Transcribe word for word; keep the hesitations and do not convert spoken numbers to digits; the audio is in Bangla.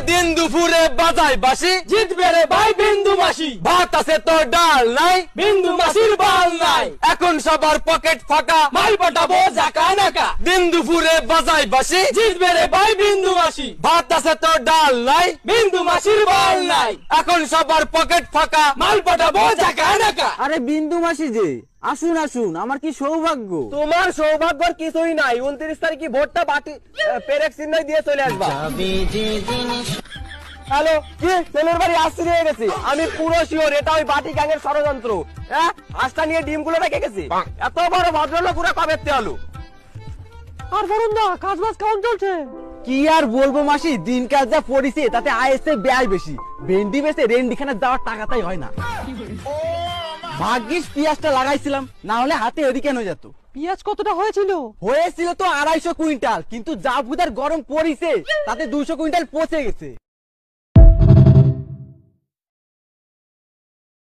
দিন দুপুরে বাজাই বাসি, জিতবে রে ভাই বিন্দু মাসি। ভাত আছে তো ডাল নাই, বিন্দু মাসির বাল নাই। এখন সবার পকেট ফাঁকা, মাল পাঠাবো জাকা নাকা। দিন দুপুরে বাজাই বাসি, জিতবে রে ভাই বিন্দু মাসি। ভাত আছে তো ডাল নাই, বিন্দু মাসির বাল নাই। এখন সবার পকেট ফাঁকা, মাল পাঠাবো জাকা নাকা। আরে বিন্দু মাসি যে, আসুন আসুন, আমার কি সৌভাগ্য। তোমার সৌভাগ্যর কিছুই নাই। উনত্রিশ তারিখে ভোটটা বাটি পেরেক চিহ্ন দিয়ে চলে আসবা। হ্যালো, কি ছেলের বাড়ি আসতে নিয়ে গেছি আমি পুরো শিওর এটা ওই বাটি গ্যাংয়ের ষড়যন্ত্র। হ্যাঁ, হাঁসটা নিয়ে ডিম গুলো রেখে গেছি। এত বড় ভদ্রলোক পুরো কবে আলু। আর বরুণ দা, কাজ বাজ কেমন চলছে? কি আর বলবো মাসি, দিন কাজ যা পড়িছে তাতে আইএসএ ব্যয় বেশি। ভেন্ডি বেচে রেন্ডিখানে যাওয়ার টাকাটাই হয় না। ভাগ্যিস পেঁয়াজটা লাগাইছিলাম, না হলে হাতে এদিকে কেন যেত। পেঁয়াজ কতটা হয়েছিল? হয়েছিল তো আড়াইশো কুইন্টাল, কিন্তু যা ভুদার গরম পড়িছে তাতে দুইশো কুইন্টাল পচে গেছে।